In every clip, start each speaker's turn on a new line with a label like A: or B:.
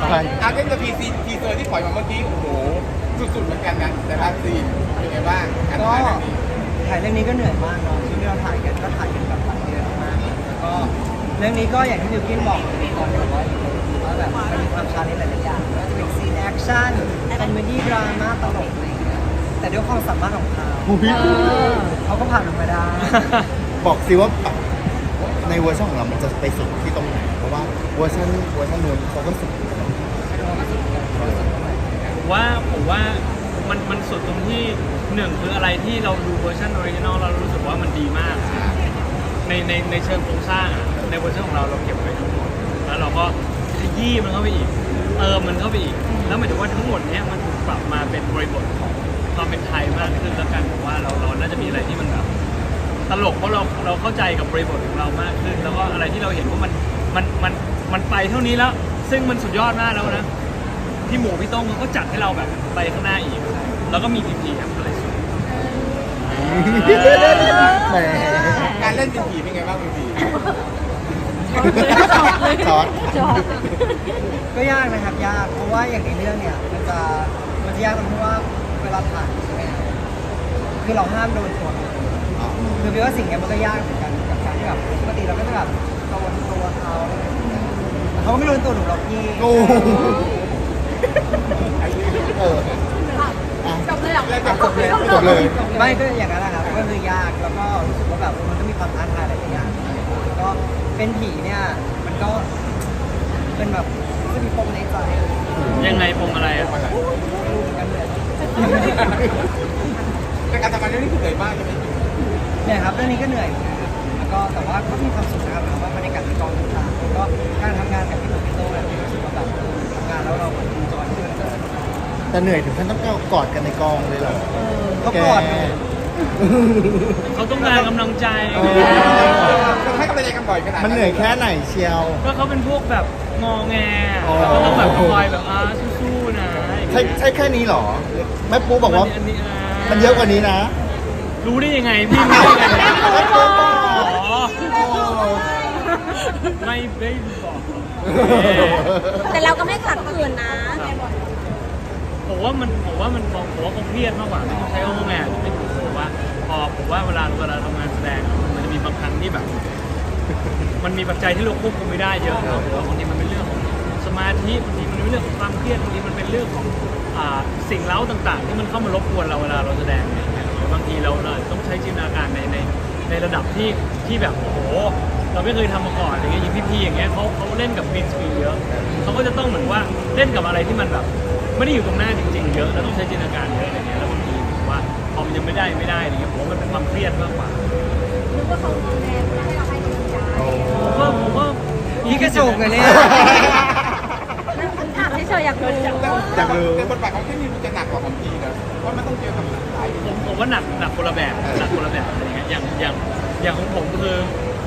A: อาร์เกนกับทีเซอร์ที่ปล่อยมาเมื่อกี้โอ้โหสุดๆเหมือนกันนะแต่ละซีนเป็นไงบ้างการถ่ายแบบนี้
B: ถ่ายเรื่องนี้ก็เหนื่อยมากเนาะที่เราถ่ายกันก็ถ่ายกันแบบหลายเดือนมากแล้วก็เรื่องนี้ก็อย่างที่บิวกินบอกตอนแบบว่าแบบมันมีความชาเลนจ์หลายๆอย่างก็จะเป็นซีนแอคชั่นคอมเมดี้ดราม่าตลกอะไรอย่างเงี้ยแต่ด้วยความสามารถของเขาก็ผ่านมันมาได้
C: บอกสิว่าในเวอร์ชันของเรา มันจะไปสุดที่ตรงไหน เพราะว่าเวอร์ชันนู้นเขาก็สุด
D: ผมว่ามันสุดตรงที่หนึ่งคืออะไรที่เราดูเวอร์ชันออริจินอลเรารู้สึกว่ามันดีมากในเชิงโครงสร้างในเวอร์ชันของเราเก็บไว้ทั้งหมดแล้วเราก็ขยี้มันเข้าไปอีกเติมมันเข้าไปอีกแล้วหมายถึงว่าทั้งหมดเนี้ยมันถูกปรับมาเป็นบริบทของความเป็นไทยมากขึ้นแล้วกันผมว่าเราน่าจะมีอะไรที่มันแบบตลกเพราะเราเข้าใจกับบริบทของเรามากขึ้นแล้วก็อะไรที่เราเห็นว่ามันไปเท่านี้แล้วซึ่งมันสุดยอดมากแล้วนะพี่หมูพี่ต้งเขาก็จัดให้เราแบบไปข้างหน้าอีกแล้วก็มีพีครับอะไรสุด
C: แหม
A: การเล่นเป็นผีเป็นไงบ้างพี
C: จอด
B: ก็ยากนะครับยากเพราะว่าอย่างในเรื่องเนี่ยมันจะยากตรงที่ว่าเวลาถ่ายใช่ไหมคือเราห้ามโดนตัวคือพี่ว่าสิ่งนี้มันก็ยากเหมือนกันกับการที่แบบปกติเราก็จะแบบโดนตัวเขาไม่โดนตัวหนูหรอกพี่
C: โอ้เออ
E: จบเลยเหรอ
C: จบเลย
B: ไม่ก็อย่างนั้นแหละครับก็คือยากแล้วก็รู้สึกว่าแบบมันก็มีความท้าทายหลายอย่างแล้วก็เป็นผีเนี่ยมันก็เป็นแบบจะมีปมในใจ
D: ยังไงปมอะไรอ่ะ
B: รู้เหมือนกันเลย
A: แต่การทำงานเรื่องนี้คือเหนื่อยมากใช่ไหม
B: เนี่ยครับเรื่องนี้ก็เหนื่อยแล้วก็แต่ว่าก็มีความสุขนะครับเพราะว่าบรรยากาศในกองต่างๆแล้วก็การทำงานกับพี่หนุ่มพี่โต้เนี่ยรู้สึกว่าแบบทำงานแล้วเราแบบจอยที่มันเกิด
C: แต่เหนื่อยถึงขั้นต้องกอดกันในกองเลยเหรอ
B: ก็กอดเลย
D: เขาต้องการกำลังใจ
A: เราให้กำลังใจกันบ่อยขนาด
C: มันเหนื่อยแค่ไหนเชียว
D: ก็เขาเป็นพวกแบบงอแง
C: อ๋อ
D: ก็ต้องแบบคอยแบบสู้ๆนะ
C: ใช่แค่นี้เหรอ แม่ปูบอกว่า
D: อันนี้
C: มันเยอะกว่านี้นะ
D: รู้ได้ยังไงพี่ไม่ได้ไงอ๋อไม่ได้บอก
E: แต่เราก็ไม่ขัดขืนนะ
D: ผมว่าเขาเครียดมากกว่าไม่ต้องใช้งอแงไม่ถูกผมว่าเวลาทำงานแสดงมันจะมีบางครั้งที่แบบ มันมีปัจจัยที่เราควบคุมไม่ได้เยอะนะผมว่าบางทีมันเป็นเรื่องของสมาธิบางทีมันเป็นเรื่องของความเครียดบางทีมันเป็นเรื่องของสิ่งเร้าต่างๆ ที่มันเข้ามารบกวนเราเวลาเราแสดงเนี่ยบางทีเราต้องใช้จินตนาการในระดับที่แบบโอ้โหเราไม่เคยทำมาก่อนอย่างเงี้ยอย่างพี่ๆอย่างเงี้ยเขาเล่นกับกรีนสกรีนเยอะเขาก็จะต้องเหมือนว่าเล่นกับอะไรที่มันแบบไม่ได้อยู่ตรงหน้าจริงๆเยอะแล้วต้องใช้จินตนาการเยอะอะไรเงี้ยแล้วบางทีผมว่าพอมันยังไม่ได้อะไรเงี้ยผมว่ามันเป็นความเครียดมากกว่า
E: นึกว่าเขาแรงให้เราให้กำลังใจ
D: ผมว่า
B: พี่กระจกเลยเนี่ย
E: ถามเฉยๆอยากรู้
C: อยากรู้
A: แต่บทบาทของที่นี่มันจะหนักกว่าของพีนะเพราะมันต้องเจอกับหลาย
D: ผมว่าหนักคนละแบบอะไรเงี้ยอย่างของผมคือ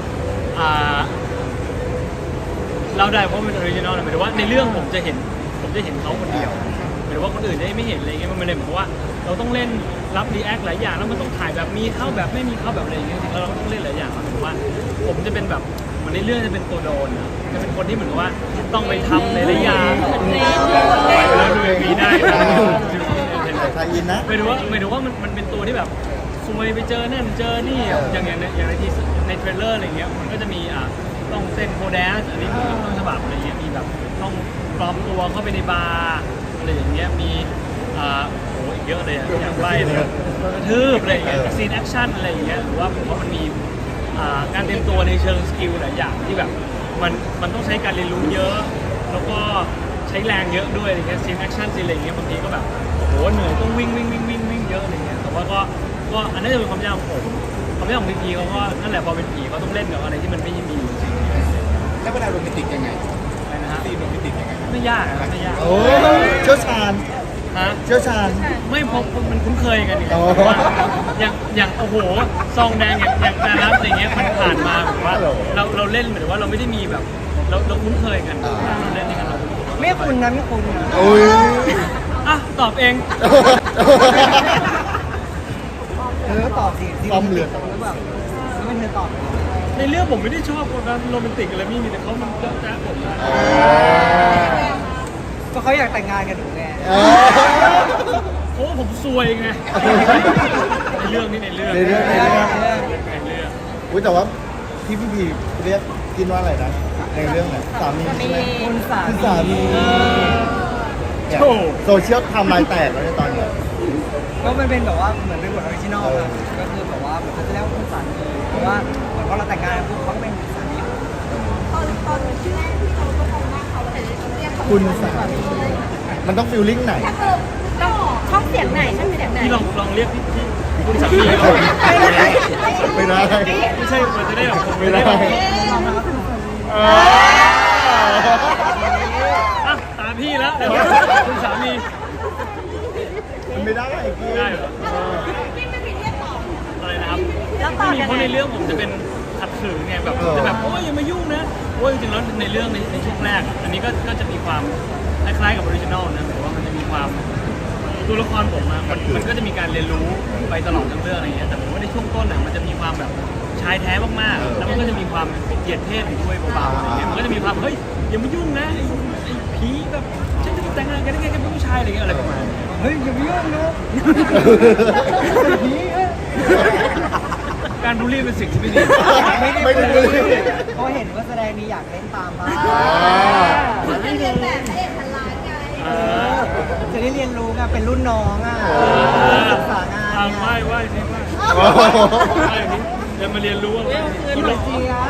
D: เราได้เพราะมันออริจินอลหมายถึงว่าในเรื่องผมจะเห็นเขาคนเดียวหมายถึงว่าคนอื่นจะไม่เห็นอะไรเงี้ยมันเลยเหมือนกับว่าเราต้องเล่นรับรีแอคหลายอย่างแล้วมันต้องถ่ายแบบมีเข้าแบบไม่มีเข้าแบบอะไรอย่างเงี้ยจริงๆแล้วเราต้องเล่นหลายอย่างหมายถึงว่าผมจะเป็นแบบมันในเรื่องจะเป็นตัวโดนจะเป็นคนที่เหมือนกับว่าต้องไปทำหลายอย่างแล้วดูอย่างนี้ได้
C: ไทยอินนะ
D: หมายถึงว่ามันเป็นตัวที่แบบซวยไปเจอนั่นเจอนี่อย่างในที่ในเทรลเลอร์อะไรเงี้ยมันก็จะมีต้องเซ็นโคแดสอันนี้คือต้นฉบับอะไรเงี้ยมีแบบต้องปลอมตัวเข้าไปในบาร์อะไรอย่างเงี้ยมีโอ้อีกเยอะเลยอย่างไรเลยกระทืบอะไรอย่างเงี้ยซีนแอคชั่นอะไรอย่างเงี้ยหรือว่าผมว่ามันมีการเตรียมตัวในเชิงสกิลหลายอย่างที่แบบมันต้องใช้การเรียนรู้เยอะแล้วก็ใช้แรงเยอะด้วยอะไรเงี้ยซีนแอคชั่นซีนอะไรอย่างเงี้ยบางทีก็แบบโหเหนื่อยต้องวิ่งเยอะอะไรเงี้ยแต่ว่าก็อันนั้นจะเป็นความยากของผมความยากของพีเขาก็นั่นแหละพอเป็นผีเขาต้องเล่นกับอะไรที่มันไม่มีอยู่จริง
A: แล้วเวลาโรแมนติกยังไง
D: อะไรนะฮะ
A: ซีนโรแมนติกยังไง
D: ไม่ยากอะไม่ยาก
C: โอ้เชี่ยวชาญ
D: ฮะ
C: เชี่ยวชาญ
D: ไม่พอมันคุ้นเคยกันไง
C: อ๋อ
D: อย่างโอ้โหซองแดงอย่างนารัสอะไรเงี้ยมันผ่านมาแบบว่าเราเล่นเหมือนว่าเราไม่ได้มีแบบเราคุ้นเคยกันเราเล่นด้วยกันเรา
B: ไม่คุณนะไม่คุณนะ
C: โอ้ย
D: อ่ะตอบเอง
B: ตอบสิ
C: ความเหลือ
B: หรือแบบไม่เธอตอบ
D: ในเรื่องผมไม่ได้ชอบคนนั้นโรแมนติกอะไรมีแต่เขามันเจ้าแจ๊ะผมนะ
B: เขาอยากแต่งงานกับหนูไง
D: โอ้ผมซวยไงในเรื่องนี้ในเรื่อง
C: ในเรื่อง
D: ในเรื่อง
C: อุ้ยแต่ว่าพี่พีเรียกกินว่าอะไรนะในเรื่องเนี่ยสามีใช่ไหม
B: คุณสา
C: คือ
B: มี
C: สามีเนี่ยโซเชียลทำลายแตกแล้วในตอนเนี้ย
B: ก็มันเป็นแบบว่าเหมือนเป็นบทออริจินอลครับก็คือแบบว่าเหมือนเขาจะเรียกว่าคุณสามีเพราะว่าเหมือนพอเราแต่งงานปุ๊บเขาก็เป็นสามี
E: ตอนที่แรกที่เราก็มองหน้าเขาแต่เรียกเขา
C: คุณสามีมันต้องฟิลลิ่งไหน
E: ถ้าเกิดต้องช่องเสียงไหนช่องเสียงไหน
D: พี่ลองเรียกพี่คุณสามี
C: ไม่ได้ไม่ได้
D: ไม่ใช่มันจะได้แบบ
C: ไม่ได้
D: อ่ะตามพี่แล้วเดี๋ยวคุณสามี
C: มันไม่ได้ไอ้กี้
D: ได้เหรอ
E: พี่ไม่มีเรียกต่อ
D: อะไรนะครับ
E: แล้วต่อ
D: ไม่มี
E: ยัง
D: เพราะ
E: ไง
D: ในเรื่องผมจะเป็นขัดขืนไงแบบจะแบบโอ้ยอย่ามายุ่งนะโอ้ยจริงๆแล้วในเรื่องในช่วงแรก อันนี้ก็จะมีความคล้ายๆกับออริจินอลนะแต่ว่ามันจะมีความตัวละครผมอะมันก็จะมีการเรียนรู้ไปตลอดทั้งเรื่องอะไรเงี้ยแต่ผมว่าในช่วงต้นอะมันจะมีความแบบชายแท้มากๆแล้วมันก็จะมีความเหยียดเพศอยู่ด้วยเบาๆอะไรเงี้ยมันก็จะมีความเฮ้ยอย่ามายุ่งนะไอ้ผีแบบฉันจะแต่งงานกันได้ไงกันเป็นผู้ชายอะไรเงี้ยอะไรประมาณนี้
B: เฮ้ยอย่าไปยุ่งนะ
D: การบูลลี่เป็นสิ่งที่ไม่ดี
C: ไม่ได้เลย
B: เขาเห็นว่าแสดงนี้อยากเล่นตามบ้าง
E: เขาจะเรียนแบบพระเอกพันล้านไง
B: จะได้เรียนรู้ไงเป็นรุ่นน้องอ่ะศึกษางาน
D: ทาง
B: ไง
D: ไหว้สิไหว้เดี๋ยวมาเรียนรู้ว่าพี่หวันเจี๊ยบ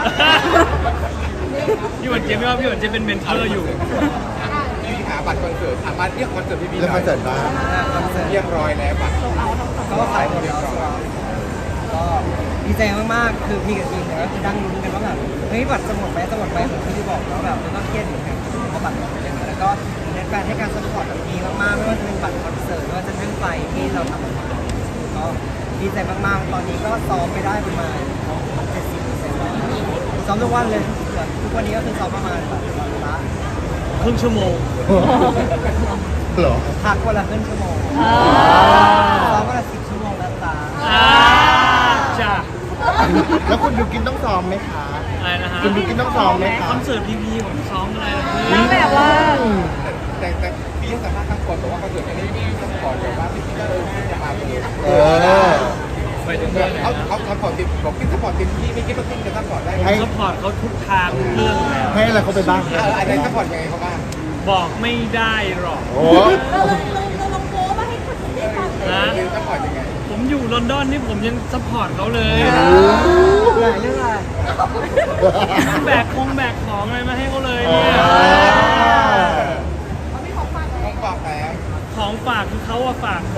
D: พี่หวันเจี๊ยบไม่ว่าพี่หวันเจี๊ยบเป็นเมนเทอร์อยู่
A: พี่หาบัตรคอนเสิร์ตสามารถเรียกคอนเสิร์ตพี่
C: แล้ว
A: หน่
C: ค
A: อ
C: อย นเสิร์ตบ้าง
A: เรียบร้อยแล้วบัตร
B: ก็ขายหมดแล้วก็ดีใจมากๆคือพี่กับทีมเนี่ยก็คือดังลุ้นกันว่าแบบเฮ้ยบัตรจะหมดไหมจะหมดไหมเหมือนที่พี่บอกแล้วแบบมันก็เครียดอยู่เหมือนกันเพราะบัตรหมดไปแล้วแล้วก็แฟนให้การสปอร์ตแบบดีมากๆไม่ว่าจะเป็นบัตรคอนเสิร์ตไม่ว่าจะเป็นไฟที่เราทำออกมาก็ดีใจมากๆตอนนี้ก็ซ้อมไปได้ประมาณ 70%แล้วซ้อมทุกวันเลยแบบทุกวันนี้ก็คือซ้อมประมาณแบบวันละ
D: ครึ่งชั่วโมง
C: เหรอ
B: พักวันละครึ่งชั่วโมงซ้อมวันละ10 ชั่วโมงแล้วตา
D: จ้า
C: แล้วคุณยูกินต้องซ้อมไหมคะ
D: อะไรนะฮะ
C: คุณยูกินต้องซ้อมไหมคะ
D: คอนเสิร์ตพีผมซ้อมอะไรนะ
E: แล้วแบบว่า
A: แต่พี่สามารถทั้งคนบอกว่าคอนเสิร์ตนี้พี่ต้องก่อนแบบว่าพี่ก็จะมาเลย
C: เออ
D: ไปถึงเรื่องไหน
A: เขา
D: นะ
A: เขาซัพพอร์ตทีมบอกพี่ซัพพอร์ตทีมพี่ไม่คิดว่าทีมจะซัพพอร์ตได้
C: ให้
D: ซัพพอร์ตเขาทุกทางทุกเรื่องอยู่แล้ว
C: ให้อะไรเขาไปบ้าง
A: อะไรซัพพอร์ตยังไงเขาบ้าง
D: บอกไม่ได้หรอก
C: โอ้
E: เราลงโป๊มาให้คนได้ฟัง
D: นะ
A: คือซัพพอร์ตยังไง
D: ผมอยู่ลอนดอนนี่ผมยังซัพพอร์ตเขาเลย
B: หลายเรื่องอะไร
D: แบกของอะไรมาให้เขาเลยเนี่ย
E: เขาไม่ของฟังเลย
A: ต้องบอกแล้ว
D: ของฝากคือเขาอะฝากผม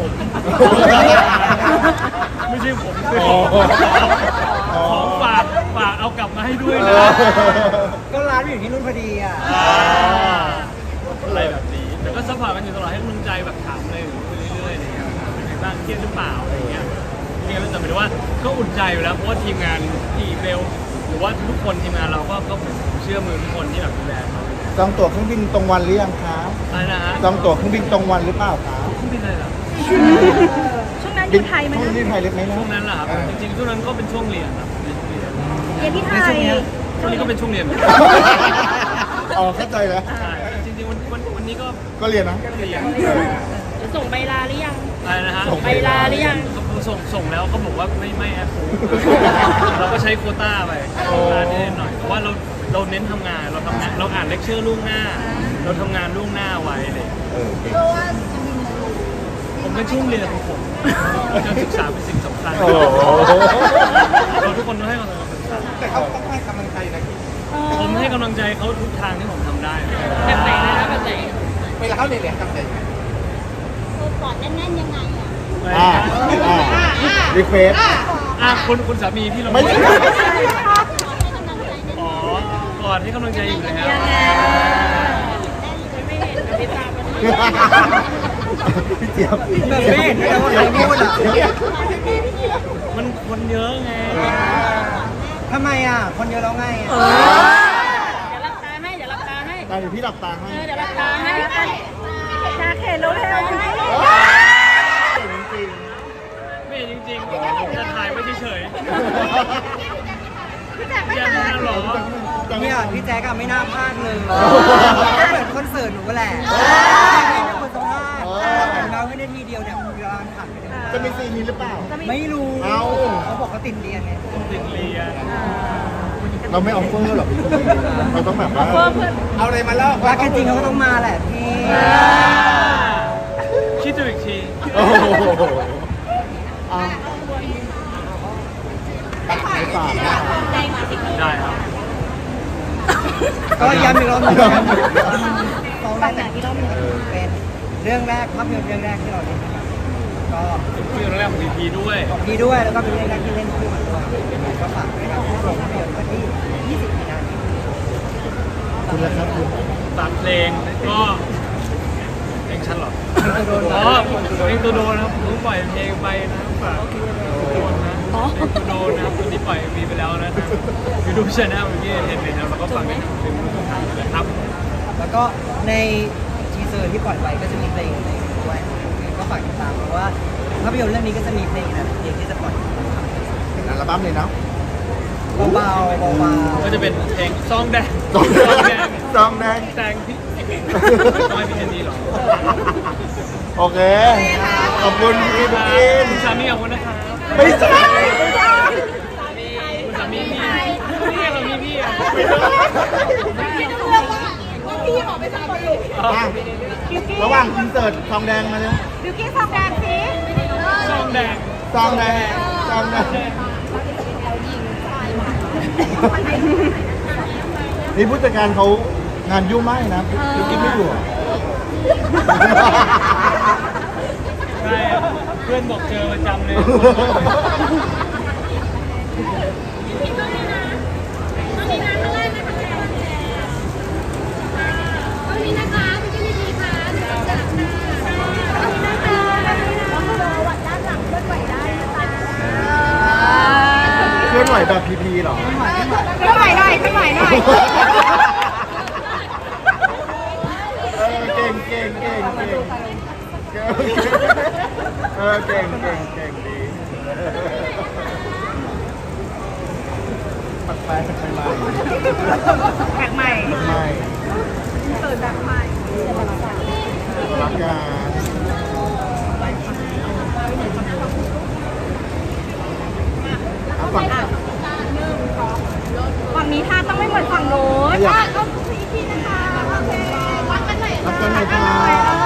D: ไม่ใช่ผมคือของฝากเอากลับมาให้ด้วยนะ
B: ก็ร้านอยู่ที่นู่นพอดีอ่ะ
D: อะไรแบบนี้แต่ก็ซัพพอร์ตกันอยู่ตลอดให้กำลังใจแบบถามอะไรอยู่เรื่อยๆอะไรเงี้ยเป็นไงบ้างเครียดหรือเปล่าอะไรเงี้ยเนี่ยแต่หมายถึงว่าก็อุ่นใจอยู่แล้วเพราะว่าทีมงานที่เบลหรือว่าทุกคนทีมงานเราก็เชื่อมือทุกคนที่แบบดูแลเรา
C: จองตั๋วเครื่องบินตรงวันหรือยังคะ
D: อะไรนะฮะ
C: จองตั๋วเครื่องบินตรงวันหรือเปล่าคะ
D: ช่วงบินอะไรเหรอ
E: ช่วงนั้นอยู่ไทยไหม
C: ช่วง
E: นะ
C: นี้ไทยเล็กไหมนะ
D: ช่วงนั้นเหรอครับจริงๆช่วงนั้นก็เป็นช่วงเรียนครับเรียน
E: เรียนที่ไทย
D: ช่วงนี้ก็เป็นช่วงเรียน
C: อ๋อเข้าใจแล้ว
D: ใช่จริงๆวันนี้ก็
C: ก็เรียนนะ
D: เรียน
E: จะส่งใบลาหรือยัง
D: อะไรนะฮะ
C: ส่ง
E: ใบลาหรือยัง
D: ส่งแล้วเขาบอกว่าไม่แอปพูเราก็ใช้โควต้าไปโควต้านิดหน่อยเพราะว่าเราเน้นทำงานเราทำงานเราอ่านเลคเชอร์ล่วงหน้า เราทำงานล่วงหน้าไว้เลย
C: เออเก่ง
E: เพราะว่าจะมี
D: ผมเป็นช่วงเรียนของผมการศึกษาเป็นสิ่งสำคัญ
C: โอ้โห
D: เราทุกคนต้องให้กำลังใจ
A: แต่เขาต้องให้กำลังใจนะพี่
D: ผมให้กำลังใจเขาทุกทางที่ผมทำได้
E: แบบไหนนะแบบไหน
A: เวลาเขาเรียนทำใจยังไง
E: ตัวปอดแน่นๆยังไงอ่ะ
C: รีเควส
D: คุณสามีที่เรา
C: ไม่ใช่
D: อ๋อกอดให้กำลังใจอยู่แล้ว
E: ไม่เห็นไม่ตามมัน
C: พี่เจี๊ยบ
B: แบบไม่เห็นเลยว่าใครพูดอ่ะ
D: มันคนเยอะไง
B: ทำไมอ่ะ คนเยอะแล้วไงอ่ะ
E: เดี๋ยวรับตาให้ เดี๋ยวรับตาให้
C: ตาเดี๋ยวพี่หลับตาให้
E: เดี๋ยวรับตาให้ชาเข็นแล้วเร็ว
C: จริง
D: ไม่จริงๆจะถ่ายไว้เฉย
E: พี่แจ๊ค
D: ๆ
E: ไม่
D: อย่า
E: ตา
D: ทำหรอ
B: เนี่ยพี่แจ๊กอะไม่น่าพลาดเลยก็เหมือนคอนเสิร์ตหนูก็แหละนาทีเดียวเนี่ยเวลาผ่านไปเลย
C: จะมีซีนนี้หรือเปล่า
B: ไม่รู้
C: เอ้า
B: เขาบอกเขาติดเรียนไง
D: ติดเรียน
C: เราไม่ออฟเฟอร์หรอกเราต้องแบบว่า
A: เอาอะไรมาเล่า
B: รักกันจริงเขาก็ต้องมาแหละพี่
D: คิดดูอีกที
C: โอ้โหอ่ะไม่ฝากนะ
D: ได้ครับ
B: ก็ย้ำอีกรอบหนึงสองแบบอีกรอบหนึงเป็นเรื่องแรกภาพยนตร์เรื่องแรกที่เราเล่นก็
D: ที่เรื่องแรกของ EP ด้วย
B: ดีด้วยแล้วก็เป็นเรื่องแรกที่เล่นคู่กันด้วยก็ฝากด้วยครับโรงภาพยนตร์วันที่ 20 มีนาคม
C: คุณละครับคุณ
D: ฝากเพลงก็เพลงฉันเหรอ
B: มีตัวโดน
D: อ๋อเพลงตัวโดนนะครับผมเพิ่งปล่อยเพลงไปนะฝากตัวโดนนะเพลงตัวโดนนะครับตอนนี้ปล่อยมีไปแล้วนะครับยูทูบช anel เมื่อกี้เห็นเลยนะแล้วก็ฟังได้ทั้งเพลงทุกทางเลยครับ
B: แล้วก็ในทีเซอร์ที่ปล่อยไปก็จะมีเพลงด้วยก็ฝากติดตามเพราะว่าภาพยนตร์เรื่องนี้ก็จะมีเพลงนะเพลงที่จะปล่อย
C: เป็นอัลบั้มเลยเนาะ
B: เบาๆเบา
D: ก็จะเป็นเพลงซองแดง
C: ซองแดงซองแดง
D: แดงพี่ต้องให้พี่เจนนี่หรอ
C: โอเค ขอบคุณพี่บุ๊กิน
D: คุณสามีขอบคุณนะครับ
C: ไม่ใช่
D: คุณสามีพี่นี่เรามีพี่อ่ะ
E: พี่บอกไปสักคนเลย
C: อ่ะระหว่างอินเสิร์ตทองแดงมาเนี่ย
E: บิวกี้ทองแดงสิ
D: ซองแดง
C: ซองแดงซองแดงนี่ผู้จัดการเขางานยุ่งมากเลยนะพี่กิ๊กไม่อยู่เหรอ
D: ใช่เพื่อนบอกเจอประจำเลย
C: เคลื่อนไหวแบบพีพีเหรอ
E: ขึ้นไหวหน่อยขึ้นไหวหน่อย
C: เก่งเก่งเก่งเก่งเก่งเก่งเก่งดีปักแปะปักใหม่
E: แขกใหม่
C: ใหม่
E: เปิดแบบใหม่
C: รักกันฝั่ง
E: ฝั่งนี้ท่าต้องไม่เหมือนฝั่งโน้นท่าต้องสีทีนะคะโอเครักกันหน่อย
C: รักกันหน่อยค่ะ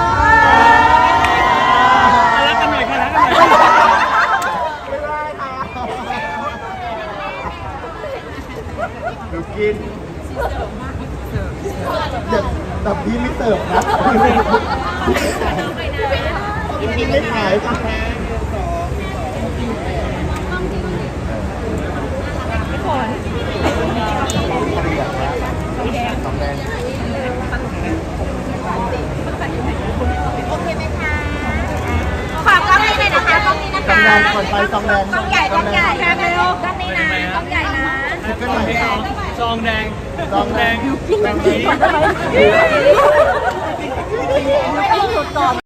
D: รักกันหน่อยค่ะรักกันหน่อย
C: ไม่ได้ค่ะดูกินเดี๋ยวแต่พี่ไม่เสิร์ฟนะพี่ไม่ขายค่ะ
E: ฝน
C: สองแดง
E: โอเคไหมคะฝากกล้องนี้เลยนะคะกล้องนี้นะ
C: สอง
E: คะ
C: แดงก่อนไปสองแดง
E: กล้องใหญ่กล้องใหญ่แค่เร็วกล้องนี้นะกล้องใหญ่นะ
D: ซองแดง
C: ซองแดง
D: แบบนี้
E: ไม่ต้องหยุดก่อน